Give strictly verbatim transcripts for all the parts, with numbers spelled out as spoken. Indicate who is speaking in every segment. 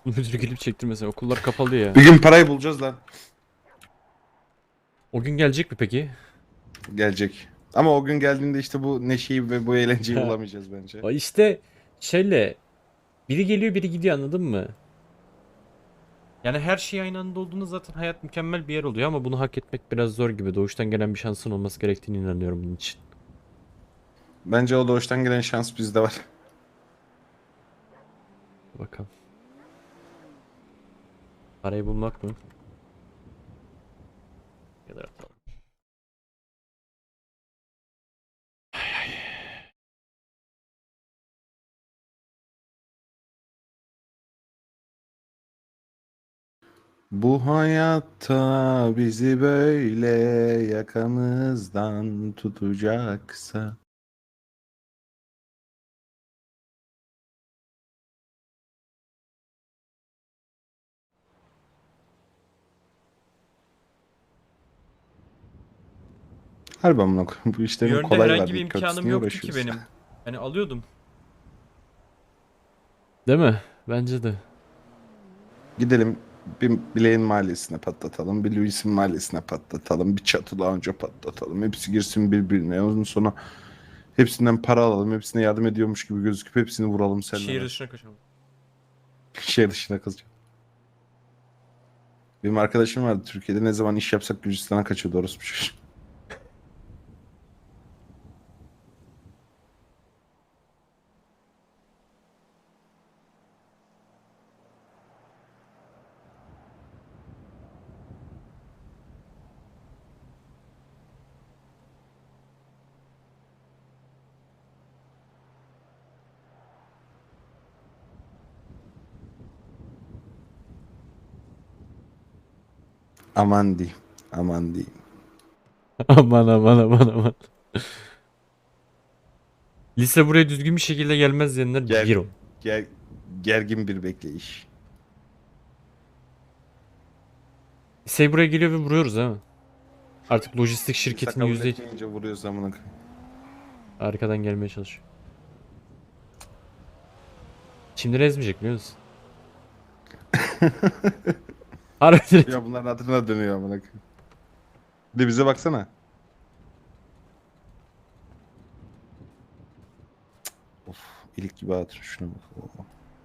Speaker 1: Müdür gelip çektirmesin. Okullar kapalı ya.
Speaker 2: Bir gün parayı bulacağız lan.
Speaker 1: O gün gelecek mi peki?
Speaker 2: Gelecek. Ama o gün geldiğinde işte bu neşeyi ve bu eğlenceyi bulamayacağız bence.
Speaker 1: O işte şöyle biri geliyor biri gidiyor, anladın mı? Yani her şey aynı anda olduğunda zaten hayat mükemmel bir yer oluyor ama bunu hak etmek biraz zor gibi. Doğuştan gelen bir şansın olması gerektiğini inanıyorum bunun için.
Speaker 2: Bence o doğuştan gelen şans bizde var.
Speaker 1: Bakalım. Parayı bulmak mı? Ya da atalım.
Speaker 2: Bu hayatta bizi böyle yakamızdan tutacaksa. Harbi amına koyayım. Bu
Speaker 1: Bir
Speaker 2: işlerin
Speaker 1: yönde
Speaker 2: kolay var
Speaker 1: herhangi bir
Speaker 2: deyip kötüsü
Speaker 1: imkanım
Speaker 2: niye
Speaker 1: yoktu ki
Speaker 2: uğraşıyoruz?
Speaker 1: benim. Hani alıyordum. Değil mi? Bence de.
Speaker 2: Gidelim bir Bileğin mahallesine patlatalım. Bir Louis'in mahallesine patlatalım. Bir Çatı Lounge'a patlatalım. Hepsi girsin birbirine. Ondan sonra hepsinden para alalım. Hepsine yardım ediyormuş gibi gözüküp hepsini vuralım seninle
Speaker 1: Şehir
Speaker 2: ben.
Speaker 1: dışına kaçalım.
Speaker 2: Şehir dışına kazacağım. Benim arkadaşım vardı Türkiye'de. Ne zaman iş yapsak Gürcistan'a kaçıyordu orospu çocuğu. Aman diyeyim. Aman diyeyim.
Speaker 1: Aman aman aman aman. Lise buraya düzgün bir şekilde gelmez diyenler
Speaker 2: Ger,
Speaker 1: bir on.
Speaker 2: ger, gergin bir bekleyiş.
Speaker 1: Lise buraya geliyor ve vuruyoruz ha. Artık lojistik
Speaker 2: İnsan
Speaker 1: şirketin
Speaker 2: kabul
Speaker 1: yüzde
Speaker 2: etmeyince vuruyoruz amına koyayım.
Speaker 1: arkadan gelmeye çalışıyor. Şimdi ezmeyecek biliyor musun? Harbi.
Speaker 2: Ya bunların hatırına dönüyor amına koyayım. Bir de bize baksana. Of, ilik gibi hatır şuna bak. Oo.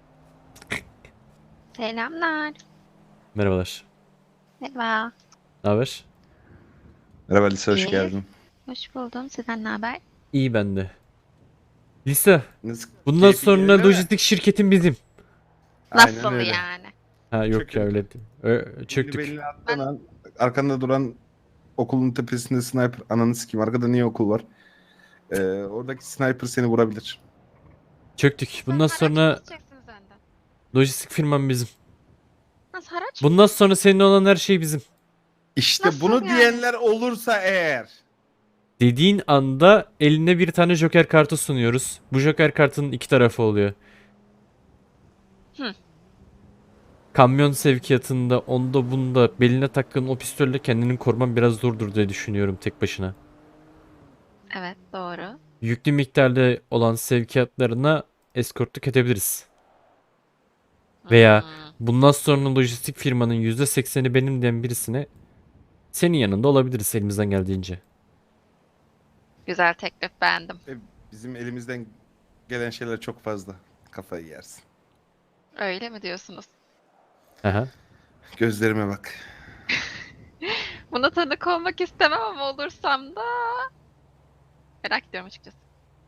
Speaker 3: Selamlar.
Speaker 1: Merhabalar.
Speaker 3: Merhaba.
Speaker 1: Ne haber?
Speaker 2: Merhaba Lise, hoş
Speaker 3: İyi.
Speaker 2: geldin.
Speaker 3: Hoş buldum. Sizden ne haber?
Speaker 1: İyi bende. Lise.
Speaker 2: Nasıl,
Speaker 1: Bundan
Speaker 2: keyfin
Speaker 1: sonra
Speaker 2: yerinde mi?
Speaker 1: lojistik şirketin bizim.
Speaker 2: Aynen
Speaker 3: Nasıl
Speaker 2: öyle.
Speaker 3: yani?
Speaker 1: Ha yok ya,
Speaker 2: Çökün.
Speaker 1: öyle değil. Ö-
Speaker 2: Elini
Speaker 1: çöktük.
Speaker 2: belini attığın
Speaker 3: Ben
Speaker 2: an arkanda duran okulun tepesinde sniper, ananı sikeyim arkada niye okul var? Ee, oradaki sniper seni vurabilir.
Speaker 1: Çöktük.
Speaker 3: Nasıl
Speaker 1: Bundan
Speaker 3: haraç mı
Speaker 1: sonra
Speaker 3: keseceksiniz önden?
Speaker 1: lojistik firman bizim.
Speaker 3: Nasıl haraç mı
Speaker 1: Bundan sonra
Speaker 3: keseceksiniz?
Speaker 1: senin olan her şey bizim.
Speaker 2: İşte
Speaker 3: Nasıl
Speaker 2: bunu
Speaker 3: yani?
Speaker 2: diyenler olursa eğer.
Speaker 1: Dediğin anda eline bir tane joker kartı sunuyoruz. Bu joker kartının iki tarafı oluyor.
Speaker 3: Hı.
Speaker 1: Kamyon sevkiyatında, onda bunda beline taktığın o pistolle kendini koruman biraz zordur diye düşünüyorum tek başına.
Speaker 3: Evet, doğru.
Speaker 1: Yüklü miktarda olan sevkiyatlarına eskortluk edebiliriz. Veya
Speaker 3: Hmm,
Speaker 1: bundan sonra lojistik firmanın yüzde sekseni benim diyen birisine senin yanında olabiliriz elimizden geldiğince.
Speaker 3: güzel teklif, beğendim.
Speaker 2: E, bizim elimizden gelen şeyler çok fazla. Kafayı yersin.
Speaker 3: Öyle mi diyorsunuz?
Speaker 1: Aha.
Speaker 2: Gözlerime bak.
Speaker 3: Buna tanık olmak istemem ama olursam da merak ediyorum açıkçası.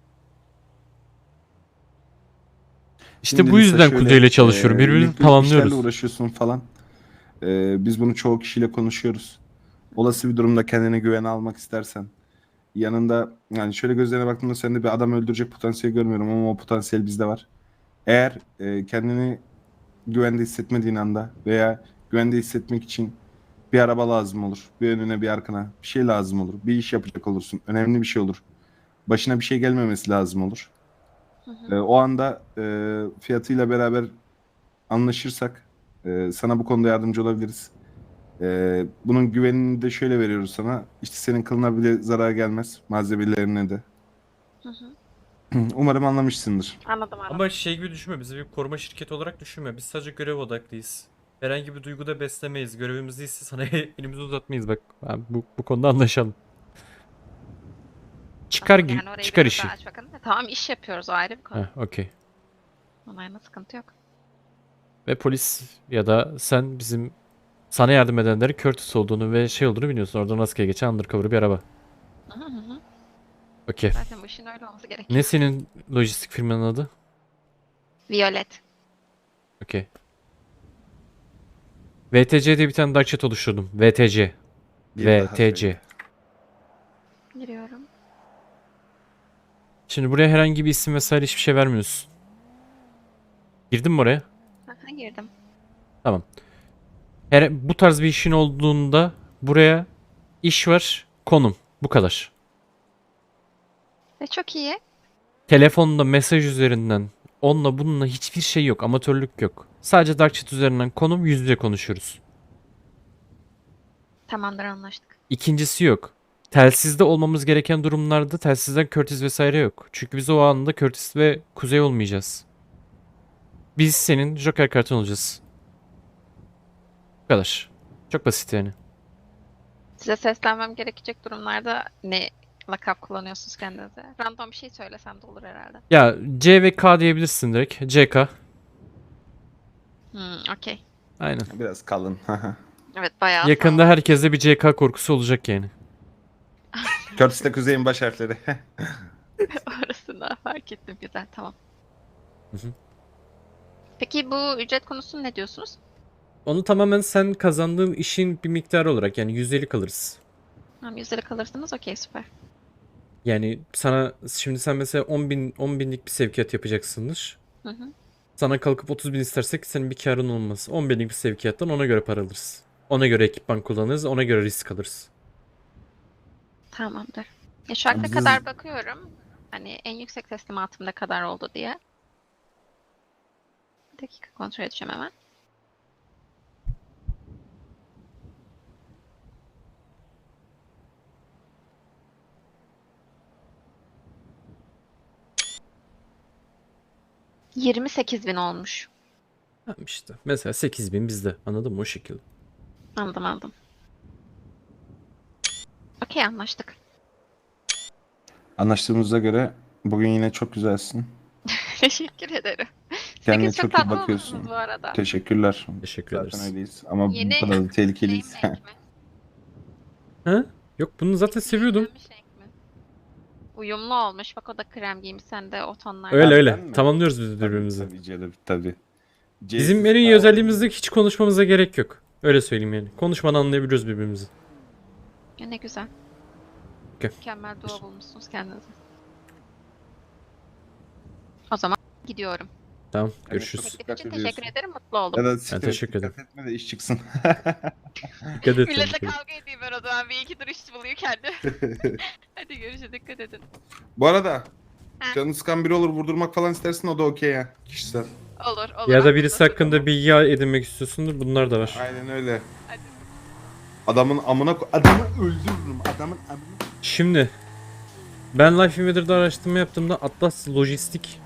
Speaker 1: İşte
Speaker 2: Şimdi
Speaker 1: bu
Speaker 2: Lisa
Speaker 1: yüzden
Speaker 2: şöyle,
Speaker 1: Kuzey ile
Speaker 2: e,
Speaker 1: çalışıyorum. Birbirimizi
Speaker 2: yüklü işlerle
Speaker 1: tamamlıyoruz.
Speaker 2: uğraşıyorsun falan. E, biz bunu çoğu kişiyle konuşuyoruz. Olası bir durumda kendine güvene almak istersen. Yanında yani şöyle gözlerine baktığımda sende bir adam öldürecek potansiyel görmüyorum ama o potansiyel bizde var. Eğer e, kendini güvende hissetmediğin anda veya güvende hissetmek için bir araba lazım olur. Bir önüne bir arkana bir şey lazım olur. Bir iş yapacak olursun. Önemli bir şey olur. Başına bir şey gelmemesi lazım olur.
Speaker 3: Hı
Speaker 2: E,
Speaker 3: hı.
Speaker 2: o anda e, fiyatıyla beraber anlaşırsak e, sana bu konuda yardımcı olabiliriz. E, bunun güvenini de şöyle veriyoruz sana. İşte senin kılına bile zarar gelmez. Malzemelerine de.
Speaker 3: Hı hı.
Speaker 2: Umarım anlamışsındır.
Speaker 3: Anladım anladım.
Speaker 1: Ama şey gibi düşünme, bizi bir koruma şirketi olarak düşünme. Biz sadece görev odaklıyız. Herhangi bir duyguda beslemeyiz. Görevimiz değilse sana elimizi uzatmayız bak. Abi bu, bu konuda anlaşalım. Çıkar
Speaker 3: Tamam,
Speaker 1: gi-
Speaker 3: yani orayı
Speaker 1: çıkar
Speaker 3: biraz
Speaker 1: işi.
Speaker 3: daha aç bakalım. E, tamam iş yapıyoruz o ayrı bir konu.
Speaker 1: Heh, okey.
Speaker 3: Onayla sıkıntı yok.
Speaker 1: Ve polis ya da sen bizim sana yardım edenlerin Curtis olduğunu ve şey olduğunu biliyorsun. Oradan rastgele geçen undercover bir araba.
Speaker 3: Hı hı hı.
Speaker 1: Okey.
Speaker 3: Zaten bu işin öyle olması gerekiyor.
Speaker 1: Ne senin lojistik firmanın adı?
Speaker 3: Violet.
Speaker 1: Okey. V T C diye bir tane dark chat oluşturdum. V T C.
Speaker 2: Bir daha
Speaker 1: V T C.
Speaker 2: söyle.
Speaker 3: Giriyorum.
Speaker 1: Şimdi buraya herhangi bir isim vesaire hiçbir şey vermiyorsun. Girdin mi oraya?
Speaker 3: Aha, girdim.
Speaker 1: Tamam. Her, bu tarz bir işin olduğunda buraya iş var, konum. Bu kadar.
Speaker 3: Ve çok iyi.
Speaker 1: Telefonda mesaj üzerinden onunla bununla hiçbir şey yok. Amatörlük yok. Sadece dark chat üzerinden konum, yüz yüze konuşuyoruz.
Speaker 3: Tamamdır anlaştık.
Speaker 1: İkincisi yok. Telsizde olmamız gereken durumlarda telsizden Curtis vesaire yok. Çünkü biz o anda Curtis ve Kuzey olmayacağız. Biz senin Joker kartın olacağız. Bu kadar. Çok basit yani.
Speaker 3: Size seslenmem gerekecek durumlarda ne lakap kullanıyorsunuz kendinize? Random bir şey söylesem de olur herhalde.
Speaker 1: Ya C ve K diyebilirsin direkt. C K.
Speaker 3: Hmm, okey.
Speaker 1: Aynen.
Speaker 2: Biraz kalın.
Speaker 3: Evet bayağı
Speaker 1: Yakında
Speaker 3: sağlam.
Speaker 1: herkeste bir C K korkusu olacak yani.
Speaker 2: Curtis'le Kuzey'in baş harfleri.
Speaker 3: Orasını fark ettim. Güzel tamam.
Speaker 1: Hı hı.
Speaker 3: Peki bu ücret konusunu ne diyorsunuz?
Speaker 1: Onu tamamen sen kazandığın işin bir miktarı olarak yani yüzdelik alırız.
Speaker 3: Tamam yüzdelik alırsınız okey süper.
Speaker 1: Yani sana şimdi sen mesela on bin on binlik bir sevkiyat yapacaksındır.
Speaker 3: Hı hı.
Speaker 1: Sana kalkıp otuz bin istersek senin bir karın olmaz. on binlik bir sevkiyattan ona göre para alırız. Ona göre ekipman kullanırız, ona göre risk alırız.
Speaker 3: Tamamdır. Ya şu ana
Speaker 2: Biz-
Speaker 3: kadar bakıyorum. Hani en yüksek teslimatım ne kadar oldu diye. Bir dakika kontrol edeceğim hemen. yirmi sekiz bin olmuş.
Speaker 1: Tamam işte. Mesela sekiz bin bizde. Anladın mı? O şekilde.
Speaker 3: Anladım anladım. Okey anlaştık.
Speaker 2: Anlaştığımıza göre bugün yine çok güzelsin.
Speaker 3: Teşekkür ederim.
Speaker 2: Kendine
Speaker 3: Siz çok
Speaker 2: çok iyi
Speaker 3: tatlı
Speaker 2: bakıyorsun.
Speaker 3: olmuşsunuz bu arada.
Speaker 2: Teşekkürler.
Speaker 1: Teşekkür
Speaker 2: Zaten
Speaker 1: ederiz.
Speaker 2: öyleyiz. Ama
Speaker 3: Yeni
Speaker 2: bu kadar da tehlikeliyiz.
Speaker 3: Name renk mi?
Speaker 1: Ha? Yok bunu zaten seviyordum.
Speaker 3: Beğenmiş renk mi? Uyumlu olmuş. Bak o da krem giymiş. Sen de o tonlarda.
Speaker 1: Öyle
Speaker 2: Ben
Speaker 1: öyle.
Speaker 2: mi?
Speaker 1: Tamamlıyoruz biz
Speaker 2: Tabii,
Speaker 1: birbirimizi.
Speaker 2: tabii canım tabii.
Speaker 1: Bizim
Speaker 2: C'siz
Speaker 1: en iyi
Speaker 2: K
Speaker 1: özelliğimizde hiç konuşmamıza gerek yok. Öyle söyleyeyim yani. Konuşmadan anlayabiliyoruz birbirimizi.
Speaker 3: Ya ne güzel.
Speaker 1: Okey.
Speaker 3: Mükemmel dua bulmuşsunuz kendinize. O zaman gidiyorum.
Speaker 1: Tamam,
Speaker 2: Evet,
Speaker 1: görüşürüz.
Speaker 2: çok-
Speaker 3: Teklif
Speaker 2: Dikkat
Speaker 3: için
Speaker 2: ediyorsun.
Speaker 3: teşekkür ederim. Mutlu oldum.
Speaker 2: Ya da
Speaker 1: Ben
Speaker 2: siktir et,
Speaker 1: teşekkür
Speaker 2: dikkat etme de iş çıksın.
Speaker 1: Dikkat et.
Speaker 3: Millete
Speaker 1: tabii.
Speaker 3: kavga edeyim ben o zaman. Bir iki dur iş buluyor kendi. Hadi görüşürüz. Dikkat edin.
Speaker 2: Bu arada
Speaker 3: Ha.
Speaker 2: canı sıkan biri olur vurdurmak falan istersin o da okey ya. Kişisel.
Speaker 3: Olur olur.
Speaker 1: Ya da
Speaker 3: haklısın.
Speaker 1: birisi hakkında bilgi edinmek istiyorsundur. Bunlar da var.
Speaker 2: Aynen öyle.
Speaker 3: Hadi.
Speaker 2: Adamın amına ko- adamı öldürürüm. Adamın amına.
Speaker 1: Şimdi ben Life Invader'da araştırma yaptığımda Atlas Lojistik